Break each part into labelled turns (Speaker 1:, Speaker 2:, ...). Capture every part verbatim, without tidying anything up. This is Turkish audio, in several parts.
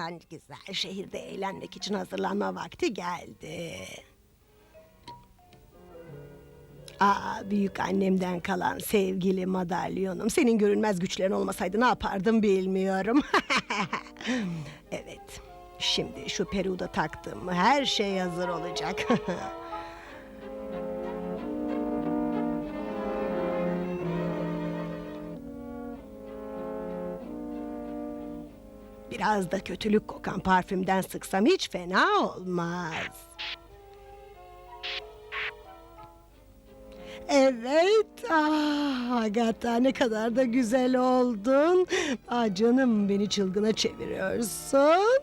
Speaker 1: Güzel, şehirde eğlenmek için hazırlanma vakti geldi. Aa, büyük annemden kalan sevgili madalyonum. Senin görünmez güçlerin olmasaydı ne yapardım bilmiyorum. Evet, şimdi şu peruğu da taktım mı her şey hazır olacak. Biraz da kötülük kokan parfümden sıksam hiç fena olmaz. Evet, ah Agatha, ne kadar da güzel oldun. Ah canım, beni çılgına çeviriyorsun.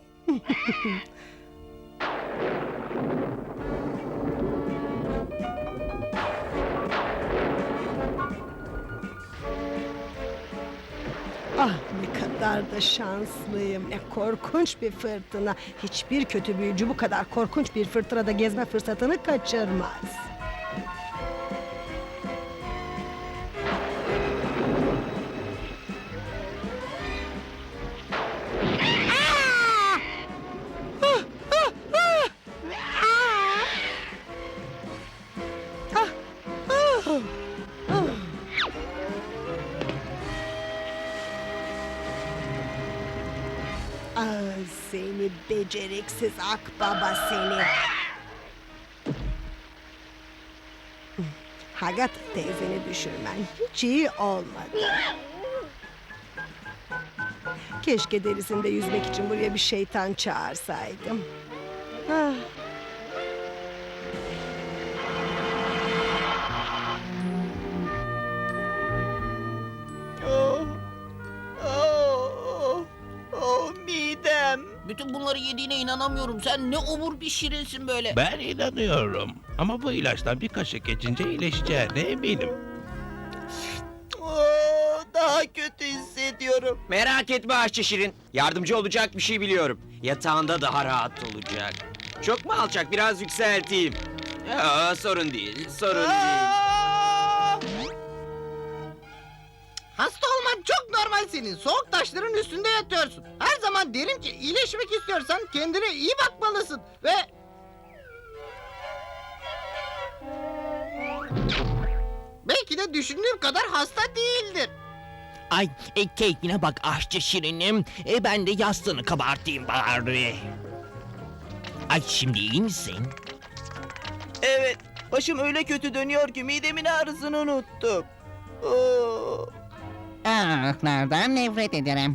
Speaker 1: Ah ne kadar da şanslıyım. Ne korkunç bir fırtına. Hiçbir kötü büyücü bu kadar korkunç bir fırtınada gezme fırsatını kaçırmaz. Ah seni beceriksiz akbaba seni. Hagat teyzeni düşürmen hiç iyi olmadı. Keşke derisinde yüzmek için buraya bir şeytan çağırsaydım. Ah.
Speaker 2: Oh, oh, oh, midem.
Speaker 3: Bütün bunları yediğine inanamıyorum. Sen ne obur bir şirinsin böyle.
Speaker 4: Ben inanıyorum. Ama bu ilaçtan bir kaşık geçince iyileşeceğine eminim.
Speaker 2: Oh, daha kötü hissediyorum.
Speaker 5: Merak etme aşçı Şirin. Yardımcı olacak bir şey biliyorum. Yatağında daha rahat olacak. Çok mu alçak? Biraz yükselteyim. Ya, sorun değil, sorun değil.
Speaker 2: Aa!
Speaker 3: Hasta olman çok normal senin. Soğuk taşların üstünde yatıyorsun. Her zaman derim ki iyileşmek istiyorsan kendine iyi bakmalısın. Ve... Belki de düşündüğüm kadar hasta değildir.
Speaker 6: Ay, e, keyfine bak aşçı Şirinim. E, ben de yastığını kabartayım bari. Ay, şimdi iyi misin?
Speaker 2: Evet, başım öyle kötü dönüyor ki midemin ağrısını unuttum. Oh.
Speaker 7: Ah, nereden nefret ederim.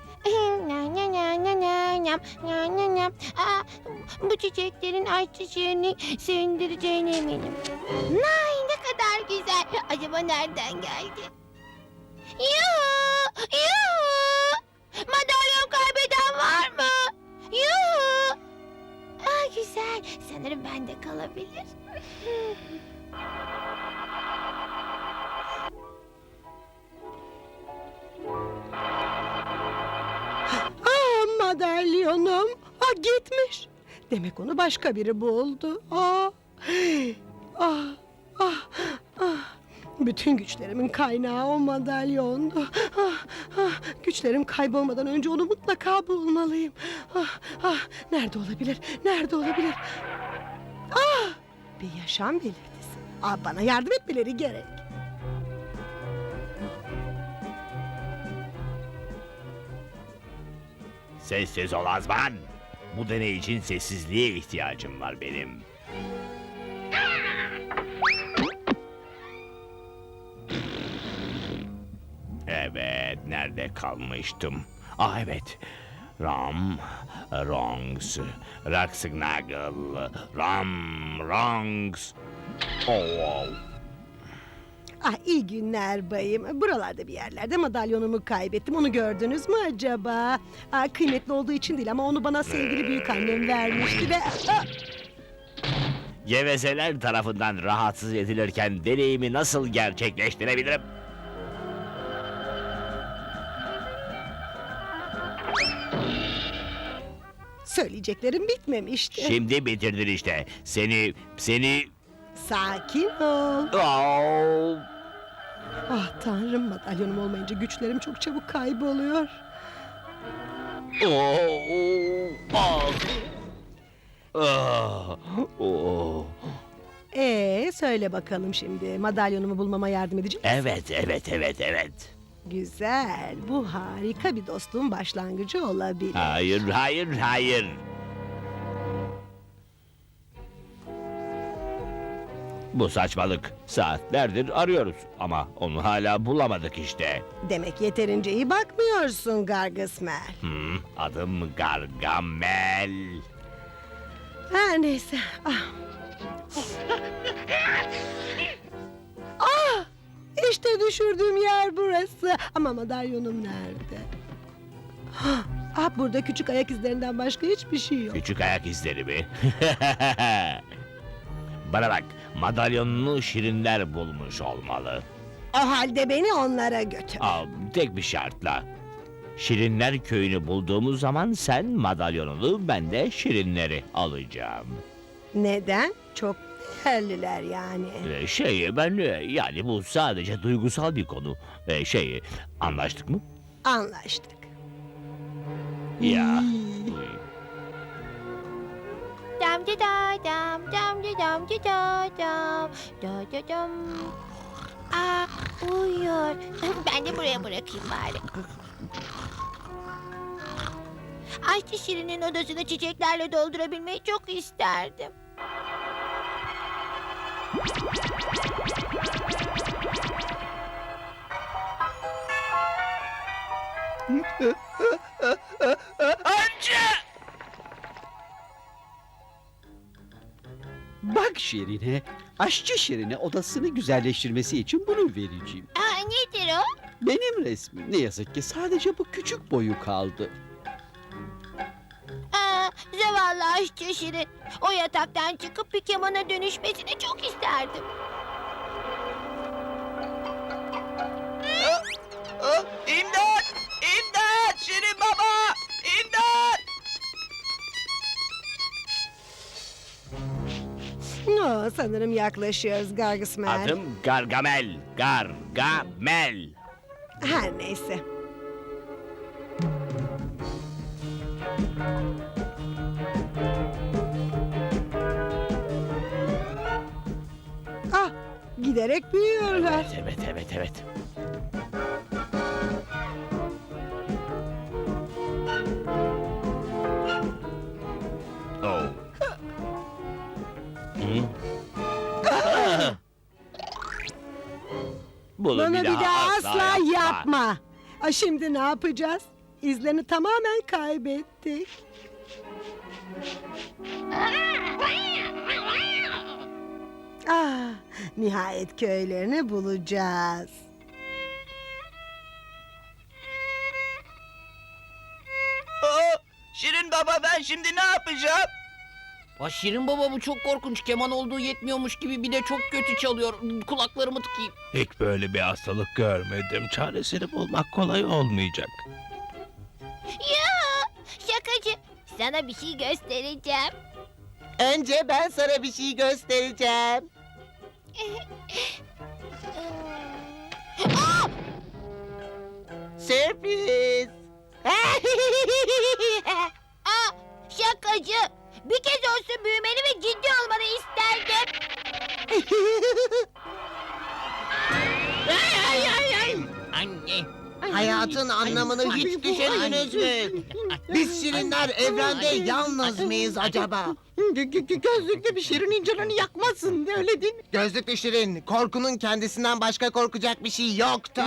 Speaker 8: Aa, bu çiçeklerin ayçiçeğini sevindireceğine eminim. Nay ne kadar güzel. Acaba nereden geldi? Yuhu! Yuhu! Madalyon kaybeden var mı? Yuhu! Aa, güzel. Sanırım bende kalabilir.
Speaker 1: Ah madalyonum. Ah gitmiş. Demek onu başka biri buldu. Ah. Ah. Ah. Ah. Bütün güçlerimin kaynağı o madalyondu. Ah, ah, güçlerim kaybolmadan önce onu mutlaka bulmalıyım. Ah, ah, nerede olabilir? Nerede olabilir? Ah, bir yaşam belirtisi. Ah, bana yardım etmeleri gerek.
Speaker 4: Sessiz ol Azman. Bu deney için sessizliğe ihtiyacım var benim. Evet, nerede kalmıştım? Ah evet. Ram, Rongs, Raksnagel, Ram, Rongs. Oh.
Speaker 1: Ah iyi günler bayım. Buralarda bir yerlerde madalyonumu kaybettim. Onu gördünüz mü acaba? Ah, kıymetli olduğu için değil ama onu bana sevgili büyük annem vermişti ve... Ah!
Speaker 4: Gevezeler tarafından rahatsız edilirken deneyimi nasıl gerçekleştirebilirim?
Speaker 1: Söyleyeceklerim bitmemişti.
Speaker 4: Şimdi bitirdin işte. Seni, seni...
Speaker 1: Sakin ol.
Speaker 4: Oh.
Speaker 1: Ah tanrım, madalyonum olmayınca güçlerim çok çabuk kayboluyor.
Speaker 4: Oh. Ah, oh.
Speaker 1: Ee, söyle bakalım şimdi. Madalyonumu bulmama yardım edecek misin?
Speaker 4: Evet, evet, evet, evet.
Speaker 1: Güzel. Bu harika bir dostluğun başlangıcı olabilir.
Speaker 4: Hayır, hayır, hayır. Bu saçmalık. Saatlerdir arıyoruz ama onu hala bulamadık işte.
Speaker 1: Demek yeterince iyi bakmıyorsun Gargısmer.
Speaker 4: Hmm, adım Gargamel.
Speaker 1: Her neyse. Ah. ah! İşte düşürdüğüm yer burası. Ama madalyonum nerede? Ah, ah, burada küçük ayak izlerinden başka hiçbir şey yok.
Speaker 4: Küçük ayak izleri mi? Bana bak, madalyonunu şirinler bulmuş olmalı.
Speaker 1: O halde beni onlara götür.
Speaker 4: Aa, tek bir şartla. Şirinler köyünü bulduğumuz zaman sen madalyonunu, ben de şirinleri alacağım.
Speaker 1: Neden? Çok değerliler yani.
Speaker 4: Ee, şey, ben e, yani bu sadece duygusal bir konu. Ee, şey, anlaştık mı?
Speaker 1: Anlaştık.
Speaker 4: Ya.
Speaker 8: Dam da da dam dam da dam da da dam da da dam. Aa, uyuyor. Ben de buraya bırakayım bari. Ayşe Şirin'in odasını çiçeklerle doldurabilmeyi çok isterdim.
Speaker 9: Bak Şirin'e, aşçı Şirin'e odasını güzelleştirmesi için bunu vereceğim.
Speaker 8: Aa, nedir o?
Speaker 9: Benim resmim. Ne yazık ki sadece bu küçük boyu kaldı.
Speaker 8: Aa, zavallı Ayşe Şirin. O yataktan çıkıp bir kemana dönüşmesini çok isterdim.
Speaker 2: Oh, İmdat! İmdat! Şirin baba! İmdat!
Speaker 1: No, sanırım yaklaşıyoruz Gargısmer.
Speaker 4: Adım Gargamel. Gargamel.
Speaker 1: Her neyse. Ah, giderek büyüyorlar.
Speaker 4: Evet, evet, evet, evet. Oh. Hı? Ah! Bunu
Speaker 1: Bunu bir daha asla yapma. Ah, şimdi ne yapacağız? İzlerini tamamen kaybettik. Ah, nihayet köylerini bulacağız.
Speaker 2: Oh, Şirin baba ben şimdi ne yapacağım?
Speaker 6: Aa, Şirin baba bu çok korkunç. Keman olduğu yetmiyormuş gibi bir de çok kötü çalıyor. Kulaklarımı tıkayım.
Speaker 10: Hiç böyle bir hastalık görmedim. Çaresini bulmak kolay olmayacak.
Speaker 8: Ya, şakacı. Sana bir şey göstereceğim.
Speaker 3: Önce ben sana bir şey göstereceğim.
Speaker 8: Aa!
Speaker 3: Sürpriz.
Speaker 8: Aa, şakacı. Bir kez olsun büyümeni ve ciddi olmanı isterdim.
Speaker 6: Anne.
Speaker 3: Hayatın anlamını hiç düşündünüz mü? Biz şirinler evrende yalnız mıyız acaba? Gözlüklü bir şirinin canını yakmasın, öyle değil mi? Gözlüklü şirin, korkunun kendisinden başka korkacak bir şey yoktur.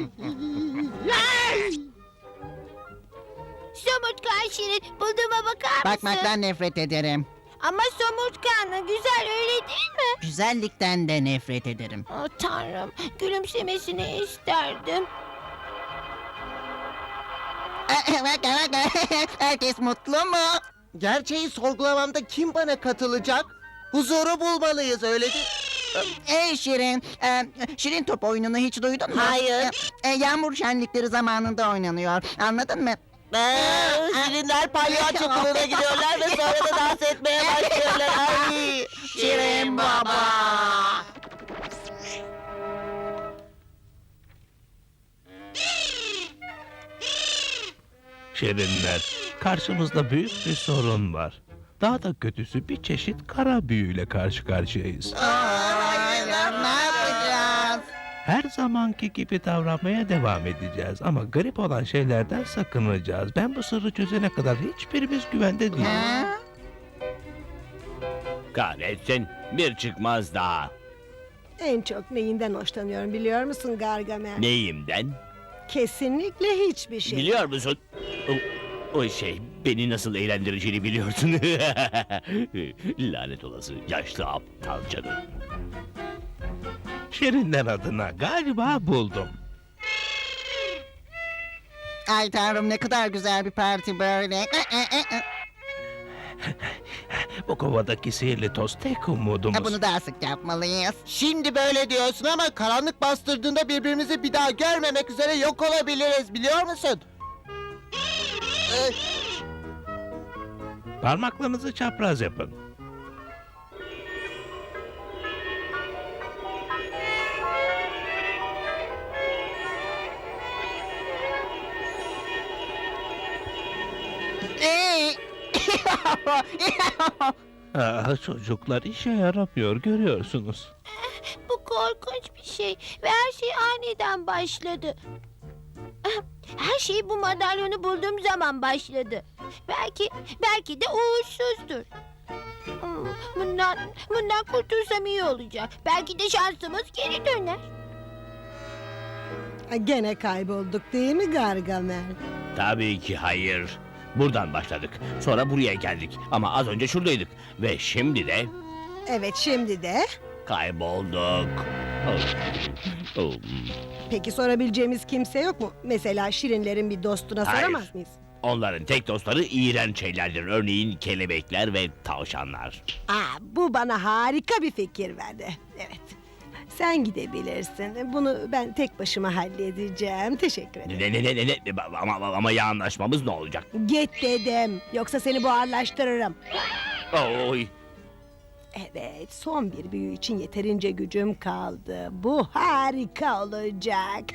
Speaker 8: Somurtkan Şirin, bulduğuma bakar mısın?
Speaker 7: Bakmaktan nefret ederim.
Speaker 8: Ama somurtkanlı, güzel öyle değil mi?
Speaker 7: Güzellikten de nefret ederim.
Speaker 8: Oh, Tanrım, gülümsemesini isterdim.
Speaker 7: Herkes mutlu mu?
Speaker 3: Gerçeği sorgulamamda kim bana katılacak? Huzuru bulmalıyız, öyle değil
Speaker 7: Ey Şirin, e, Şirin top oyununu hiç duydun mu?
Speaker 3: Hayır.
Speaker 7: E, yağmur şenlikleri zamanında oynanıyor. Anladın mı?
Speaker 3: Şirinler palyaço kılığına gidiyorlar ve sonra da dans etmeye başlıyorlar. Ay, Şirin baba.
Speaker 10: Şirinler, karşımızda büyük bir sorun var. Daha da kötüsü bir çeşit kara büyüyle karşı karşıyayız.
Speaker 3: Hayır, ne yapacağız?
Speaker 10: Her zamanki gibi davranmaya devam edeceğiz ama garip olan şeylerden sakınacağız. Ben bu sırrı çözene kadar hiçbirimiz güvende değiliz.
Speaker 3: Ha?
Speaker 4: Kahretsin, bir çıkmaz daha.
Speaker 1: En çok neyinden hoşlanıyorum biliyor musun Gargamel?
Speaker 4: Neyimden?
Speaker 1: Kesinlikle hiçbir şey.
Speaker 4: Biliyor musun? O, o şey, beni nasıl eğlendireceğini biliyorsun. Lanet olası yaşlı aptal canım.
Speaker 10: Şirinler adına galiba buldum.
Speaker 7: Ay tanrım ne kadar güzel bir parti böyle. E, e, e, e.
Speaker 10: Bu kovadaki sihirli toz tek umudumuz.
Speaker 7: Ha, bunu daha sık yapmalıyız.
Speaker 3: Şimdi böyle diyorsun ama karanlık bastırdığında birbirimizi bir daha görmemek üzere yok olabiliriz biliyor musun? Ee,
Speaker 10: Parmaklarınızı çapraz yapın.
Speaker 7: Ee,
Speaker 10: Ah, çocuklar işe yaramıyor görüyorsunuz.
Speaker 8: Bu korkunç bir şey ve her şey aniden başladı. Her şey bu madalyonu bulduğum zaman başladı. Belki, belki de uğursuzdur. Hmm, Bundan, bundan kurtulsam iyi olacak. Belki de şansımız geri döner.
Speaker 1: Ha, Gene kaybolduk değil mi Gargamel?
Speaker 4: Tabii ki hayır. Buradan başladık. Sonra buraya geldik. Ama az önce şuradaydık. Ve şimdi de
Speaker 1: Evet şimdi de.
Speaker 4: kaybolduk. Oh. Oh.
Speaker 1: Peki sorabileceğimiz kimse yok mu? Mesela Şirinlerin bir dostuna
Speaker 4: Hayır.
Speaker 1: soramaz mıyız?
Speaker 4: Onların tek dostları iğrenç şeylerdir. Örneğin kelebekler ve tavşanlar.
Speaker 1: Aa, bu bana harika bir fikir verdi. Evet. Sen gidebilirsin. Bunu ben tek başıma halledeceğim. Teşekkür ederim.
Speaker 4: Ne ne ne ne ne ama, ama, ama ya anlaşmamız ne olacak?
Speaker 1: Git dedim. Yoksa seni buharlaştırırım.
Speaker 4: Oy.
Speaker 1: Evet, son bir büyü için yeterince gücüm kaldı. Bu harika olacak.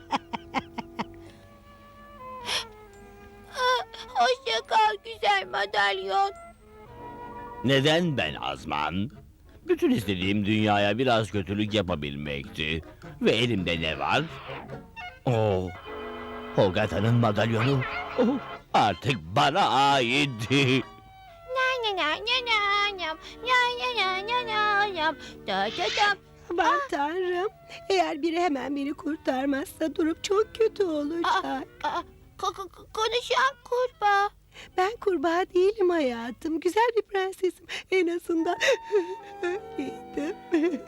Speaker 8: Hoşça kal güzel madalyon.
Speaker 4: Neden ben Azman? Bütün istediğim dünyaya biraz kötülük yapabilmekti. Ve elimde ne var? Oh, Hogata'nın madalyonu. Oh, artık bana ait.
Speaker 8: Na na na na na nam, na na na na na nam, da da dam.
Speaker 1: Aman tanrım. Eğer biri hemen beni kurtarmazsa durum çok kötü olacak.
Speaker 8: Aa, ko- ko- ko- konuşan kurbağa.
Speaker 1: Ben kurbağa değilim hayatım. Güzel bir prensesim. En azından öyleydim.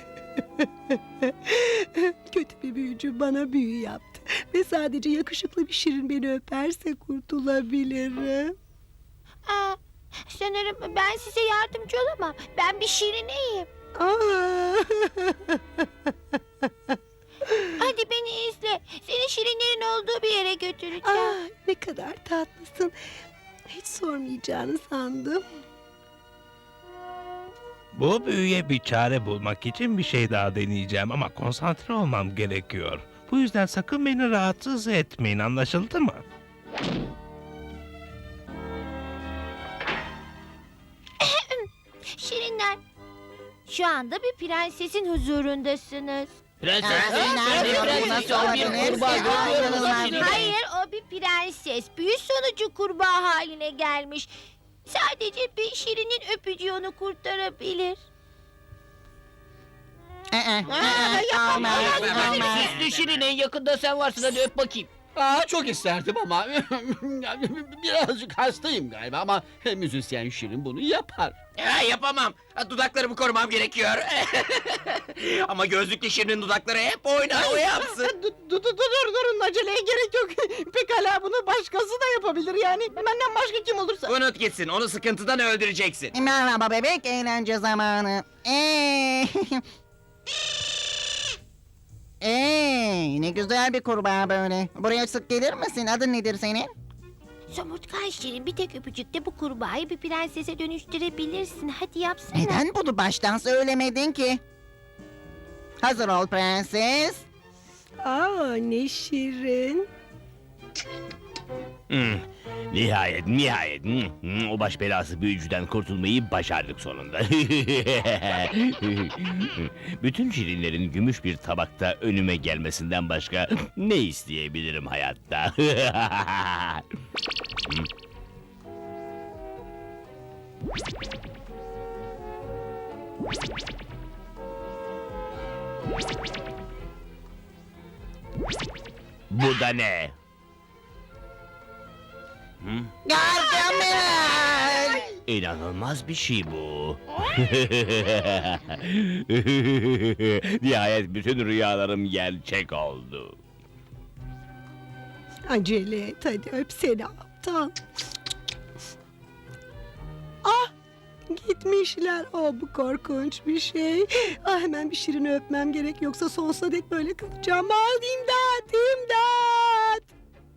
Speaker 1: Kötü bir büyücü bana büyü yaptı. Ve sadece yakışıklı bir şirin beni öperse kurtulabilirim.
Speaker 8: Aa, sanırım ben size yardımcı olamam. Ben bir şirineyim.
Speaker 1: Aa!
Speaker 8: Hadi beni izle. Seni şirinlerin olduğu bir yere götüreceğim.
Speaker 1: Aa, ne kadar tatlısın. Hiç sormayacağını sandım.
Speaker 10: Bu büyüye bir çare bulmak için bir şey daha deneyeceğim ama konsantre olmam gerekiyor. Bu yüzden sakın beni rahatsız etmeyin, anlaşıldı mı?
Speaker 8: Şirinler, şu anda bir prensesin huzurundasınız.
Speaker 6: Prenses.
Speaker 7: nerede nasıl olabilir? Ay, inanılmaz.
Speaker 8: Hayır, o bir prenses. Büyü sonucu kurbağa haline gelmiş. Sadece bir şirinin öpücüğü onu kurtarabilir.
Speaker 7: Ee, e, e, e, olmaz, olmaz.
Speaker 6: Süslü Şirin en yakında sen varsın hadi öp bakayım.
Speaker 9: Aa, çok isterdim ama birazcık hastayım galiba ama müzisyen Şirin bunu yapar.
Speaker 5: Ha, yapamam. Ha, Dudaklarımı korumam gerekiyor. Ama gözlüklü Şirin'in dudakları hep oynar, o yapsın.
Speaker 3: dur, dur, dur, dur, durun aceleye gerek yok. Pekala bunu başkası da yapabilir yani. Benden başka kim olursa.
Speaker 5: Unut gitsin, onu sıkıntıdan öldüreceksin.
Speaker 7: Merhaba bebek, eğlence zamanı. Ee, Ee, ne güzel bir kurbağa böyle. Buraya sık gelir misin? Adın nedir senin?
Speaker 8: Somurtkan Şirin, bir tek öpücükte bu kurbağayı bir prensese dönüştürebilirsin. Hadi yapsana.
Speaker 7: Neden bunu baştan söylemedin ki? Hazır ol prenses.
Speaker 1: Aa, ne şirin.
Speaker 4: Hmm. Nihayet, nihayet. Hı, hı, O baş belası büyücüden kurtulmayı başardık sonunda. Bütün şirinlerin gümüş bir tabakta önüme gelmesinden başka ne isteyebilirim hayatta? Hı. Bu da ne? Hı?
Speaker 3: Gargamel!
Speaker 4: İnanılmaz bir şey bu. Nihayet bütün rüyalarım gerçek oldu.
Speaker 1: Acele et hadi öp seni aptal. Ah gitmişler. Oh bu korkunç bir şey. Ah hemen bir Şirin'i öpmem gerek yoksa sonsuza dek böyle kalacağım. Ah imdat imdat.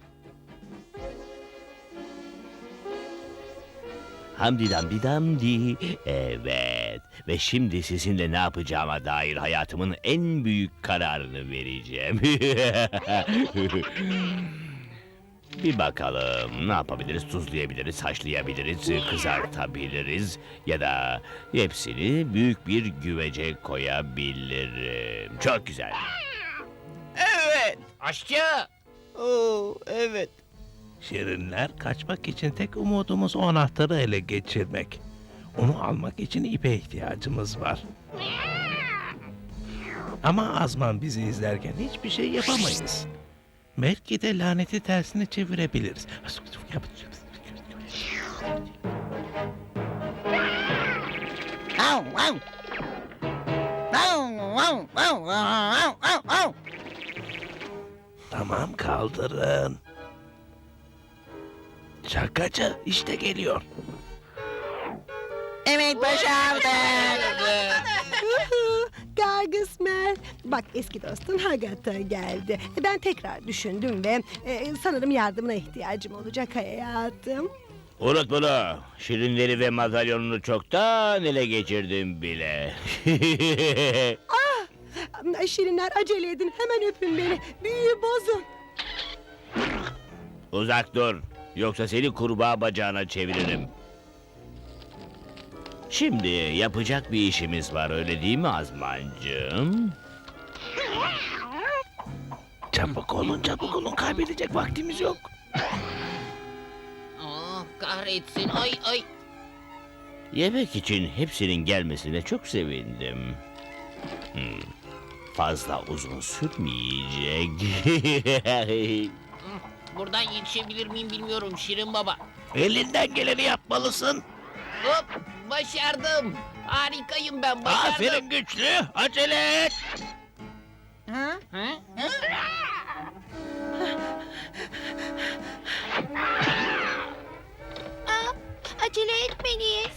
Speaker 4: Hamdi damdi damdi. Evet. Ve şimdi sizinle ne yapacağıma dair hayatımın en büyük kararını vereceğim. Bir bakalım ne yapabiliriz? Tuzlayabiliriz, haşlayabiliriz, kızartabiliriz ya da hepsini büyük bir güvece koyabilirim. Çok güzel.
Speaker 2: Evet.
Speaker 6: Aşçı!
Speaker 2: Oo, evet.
Speaker 10: Şirinler kaçmak için tek umudumuz o anahtarı ele geçirmek. Onu almak için ipe ihtiyacımız var. Ama Azman bizi izlerken hiçbir şey yapamayız. Belki de laneti tersine çevirebiliriz.
Speaker 3: Au, au. Au, au, au, au, au, au.
Speaker 10: Tamam kaldırın. Şakacı işte geliyor.
Speaker 3: Evet başardık.
Speaker 1: Gargısmer. Bak eski dostun Hagata geldi. Ben tekrar düşündüm ve e, sanırım yardımına ihtiyacım olacak hayatım.
Speaker 4: Unut bunu. Şirinleri ve madalyonunu çoktan ele geçirdim bile.
Speaker 1: Şirinler acele edin hemen öpün beni. Büyüyü bozun.
Speaker 4: Uzak dur. Yoksa seni kurbağa bacağına çeviririm. Şimdi yapacak bir işimiz var öyle değil mi Azmancığım?
Speaker 10: Çabuk olun çabuk olun kaybedecek vaktimiz yok.
Speaker 6: Ah kahretsin ay ay.
Speaker 4: Yemek için hepsinin gelmesine çok sevindim. Hmm, fazla uzun sürmeyecek.
Speaker 6: Buradan yetişebilir miyim bilmiyorum Şirin Baba.
Speaker 10: Elinden geleni yapmalısın.
Speaker 6: Hop başardım. Harikayım ben başardım.
Speaker 10: Aferin güçlü acele et.
Speaker 7: Ha?
Speaker 6: Ha?
Speaker 8: Aa, acele etmeliyiz.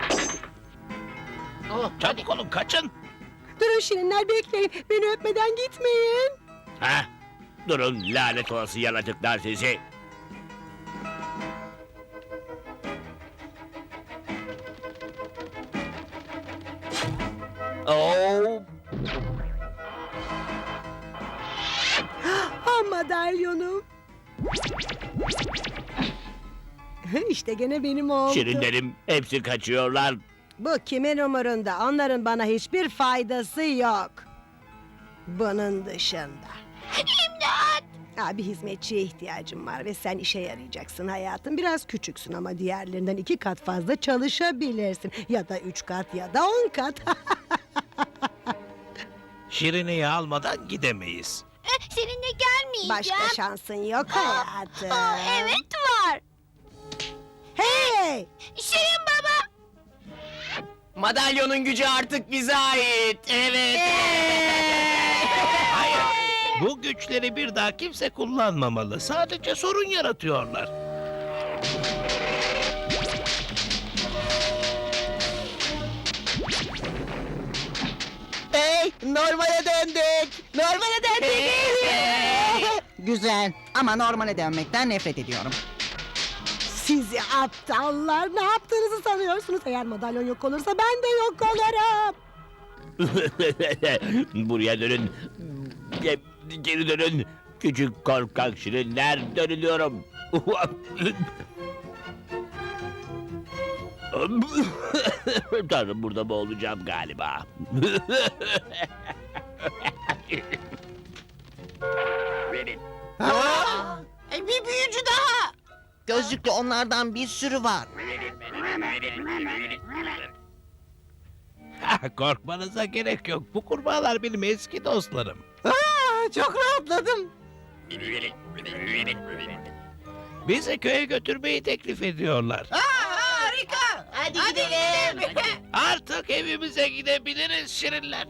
Speaker 6: Oh, hadi.
Speaker 10: Çabuk olun kaçın.
Speaker 1: Durun Şirinler bekleyin. Beni öpmeden gitmeyin.
Speaker 4: Ha? Durun lanet olası yaratıklar sizi. Oh.
Speaker 1: Ah madalyonum. İşte gene benim oldu.
Speaker 4: Şirinlerim hepsi kaçıyorlar.
Speaker 1: Bu kimin umurunda? Onların bana hiçbir faydası yok. Bunun dışında.
Speaker 8: İmdat!
Speaker 1: Aa, bir hizmetçiye ihtiyacım var ve sen işe yarayacaksın hayatım. Biraz küçüksün ama diğerlerinden iki kat fazla çalışabilirsin. Ya da üç kat ya da on kat.
Speaker 10: Şirineyi almadan gidemeyiz.
Speaker 8: Eh, seninle gelmeyeceğim.
Speaker 1: Başka şansın yok hayatım.
Speaker 8: Aa, evet var.
Speaker 1: Hey!
Speaker 8: Şirin Baba.
Speaker 5: Madalyonun gücü artık bize ait. Evet.
Speaker 10: Hayır. Bu güçleri bir daha kimse kullanmamalı. Sadece sorun yaratıyorlar.
Speaker 3: Hey, normale döndük. Normale döndük.
Speaker 7: Güzel ama normale dönmekten nefret ediyorum.
Speaker 1: Sizi aptallar ne yaptığınızı sanıyorsunuz? Eğer madalyon yok olursa ben de yok olurum.
Speaker 4: Buraya dönün. Ge- Geri dönün. Küçük korkak şirinler dönülüyorum. Tanrım, burada boğulacağım galiba.
Speaker 3: Bir büyücü daha. Gözlüklü onlardan bir sürü var.
Speaker 10: Korkmanıza gerek yok. Bu kurbağalar benim eski dostlarım.
Speaker 3: Aa, çok rahatladım.
Speaker 10: Bizi köye götürmeyi teklif ediyorlar.
Speaker 3: Harika. Hadi, gidelim.
Speaker 10: Artık evimize gidebiliriz şirinler.